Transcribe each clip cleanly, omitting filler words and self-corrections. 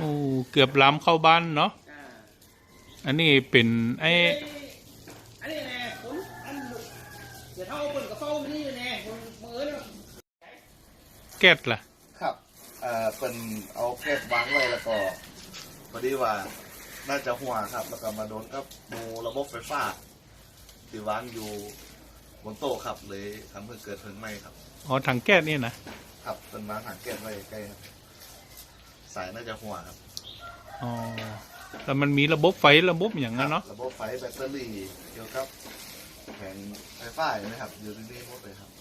โอ้เกือบล้ำเข้าบ้านเนาะอันนี้เป็นไอ้อันนี้แน่ผมอันเดี๋ยวเท่าเปิดกระเป๋านี่แน่ผมมือเนี่ยแก๊สล่ะครับเป็นเอาแก๊สวางไว้แล้วก็พอดีว่าน่าจะหัวครับแล้วก็มาโดนกับมูระบบไฟฟ้าที่วางอยู่บนโต๊ะครับเลยทำให้เกิดเพลิงไหม้ครับอ๋อถังแก๊สนี่นะครับเป็นมาถังแก๊สไว้ใกล้ครับสายน่าจะหัวครับอ๋อแต่มันมีระบบไฟระบบอย่างนั้นเนาะระบบไฟแบตเตอรี่เกี่ยวกับแผงไฟฟ้านะครับอยู่ที่นี่หมดเลยครับ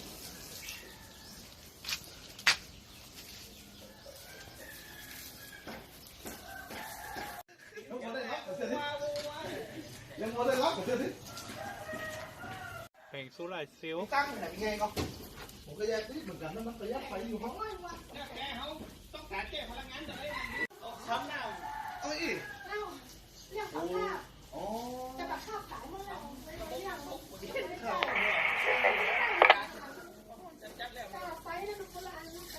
แผงโซลาร์เซลล์ตั้งไหนไงก็ผมก็แยกเหมือนกันนะมันประหยัดไฟอยู่ห้องไว้วะแกเขาต้องการแก้พลังงานเลยช้ำหน้าเอ้ยเรื่องของข้าวจะมาข้าวขายเมื่อไหร่เรื่องไฟแล้วดูโบราณนะ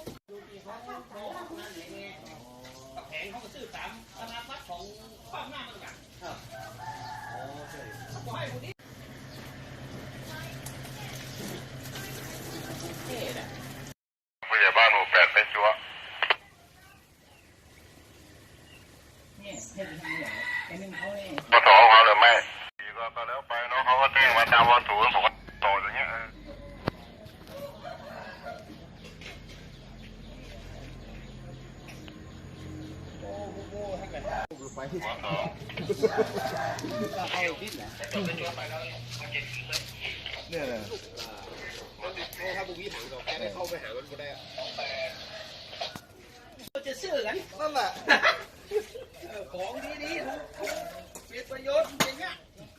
แผงเขาก็ซื้อตามขนาดวัดของความหน้ามันกันครับให้คนนี้ผู้ใหญ่บ้านหมู่ 8ไปจั๊วปตเขาหรือไม่ก็แล้วไปเนาะเขาก็แจ้งมาตามวันศูนย์ผมก็ต่ออย่างเงี้ยเนี่ยเลยถ้าบุกยี่ถังก็แค่ได้เข้าไปหามันก็ได้จะซื้อกันนั่นแหละของดีๆถูกเป็นประโยชน์อย่างเงี้ย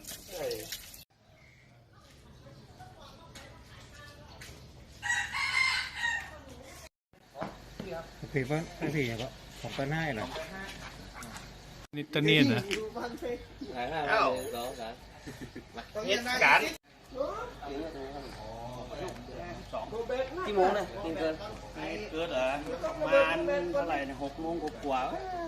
ผีว่าผีอย่างก็ของก็น่าเหรอนี่ตะเนียนนะเหตุการณ์กี่โมงเนี่ยเกินเหรอประมาณเท่าไหร่เนี่ย6 โมงกว่า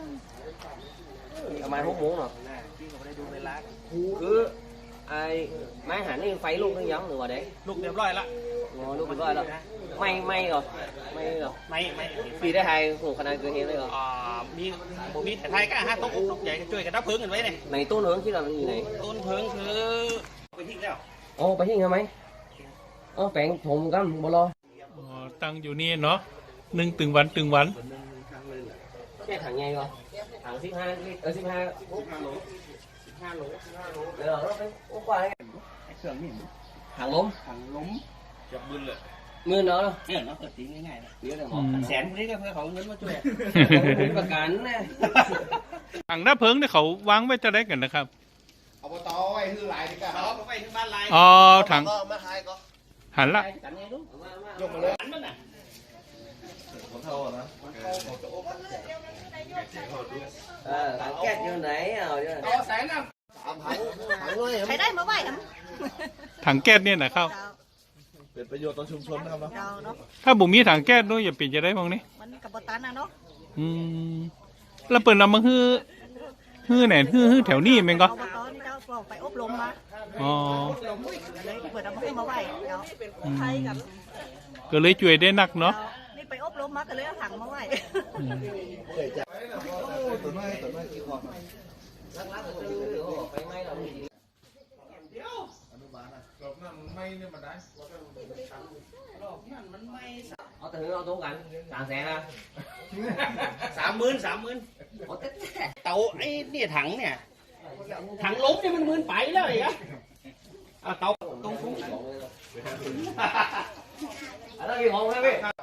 ประมาณ6 โมงเหรอพี่ก็ไม่ได้ดูเวลาคือไอ้ไม้หันนี่ไฟลูกนึงยังหรือว่าเด็กลูกเรียบร้อยละลูกเรียบร้อยแล้วไม่เหรอไม่ปีได้ไทยโหขนาดเกินเหตุเลยเหรอมีแต่ไทยก็ต้องใหญ่ช่วยกันดับเพลิงกันไว้เนี่ยในต้นเพิงที่เราอยู่ไหนต้นเพลิงคือไปทิ้งแล้วโอ้ไปทิ้งทำไมแปลงผมกันบ่รอตั้งอยู่นี่เนาะตึงวันแค่ถังไงก็ถัง15 ลิตร15 โลเดี๋ยวเราไปอุ้มไปเครื่องนี่ถังล้มจับมือเลยมือเนาะเนี่ยเนาะตัดทิ้งง่ายๆนะเดี๋ยวเราแสนคนนี้ก็เพื่อเขาเงินมาช่วยประกันนะถังดับเพลิงเนี่ยเขาวางไว้จะได้กันนะครับอบตไว้คือลายดีกว่าไปถึงบ้านลายอ๋อถังมาหายก็หันละยกมาเลยหันมันน่ะคนเท่านะถังแก๊สอยู่ไหนเอาอยู่ต่อแสนนะใช้ได้มาไหวครับถังแก๊สเนี่ยนะครับเป็นประโยชน์ต่อชุมชนนะครับเนาะถ้าบุมีถังแก๊สด้วยอย่าปิดจะได้พวกนี้มันกับบตันนะเนาะแล้วเปิดนำมาฮื้อไหนฮื้อแถวนี้มั้งก็ไปอบรมมาอ๋อเลยเปิดนำมาให้มาไหวเนาะไทยกับก็เลยช่วยได้นักเนาะนี่ไปอบรมมาก็เลยเอาถังมาไหวตัวน้อยกี่คนไปไม่เราอนุบาลนะรอบนั้นไม่เนี่ยมาได้รอบนั้นมันไม่เอาแต่เอาตรงกัน3 แสนนะ 30,000เตาไอ้เนี่ยถังเนี่ยถังล้มเนี่ยมัน10,000ไปแล้วอีกอะเตาตรงฟุ้งอะไรกี่ของครับพี่